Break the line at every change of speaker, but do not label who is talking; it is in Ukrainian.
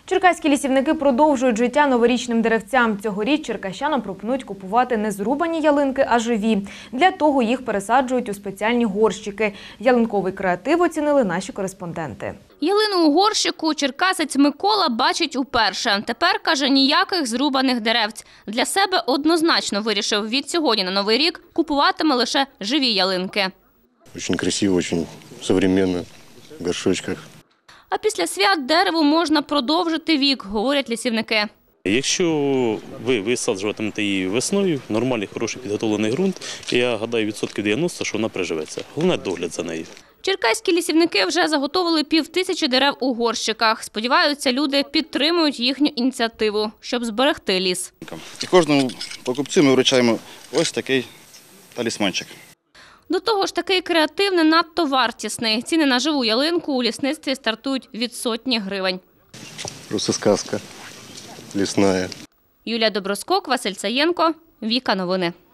Черкаські лісівники продовжують життя новорічним деревцям. Цьогоріч черкащанам пропонують купувати не зрубані ялинки, а живі. Для того їх пересаджують у спеціальні горщики. Ялинковий креатив оцінили наші кореспонденти.
Ялину у горщику черкасець Микола бачить уперше. Тепер, каже, ніяких зрубаних деревць. Для себе однозначно вирішив, від сьогодні на Новий рік купуватиме лише живі ялинки.
Дуже красиво, дуже сучасно, в горшочках.
А після свят дереву можна продовжити вік, говорять лісівники.
Якщо ви висаджуватимете її весною, нормальний, хороший підготовлений ґрунт, я гадаю, 90% що вона приживеться. Головне – догляд за нею.
Черкаські лісівники вже заготовили 5000 дерев у горщиках. Сподіваються, люди підтримують їхню ініціативу, щоб зберегти ліс.
І кожному покупцю ми вручаємо ось такий талісманчик.
До того ж, такий креатив не надто вартісний. Ціни на живу ялинку у лісництві стартують від сотні гривень.
Просто сказка лісна.
Юлія Доброскок, Василь Саєнко, Віка Новини.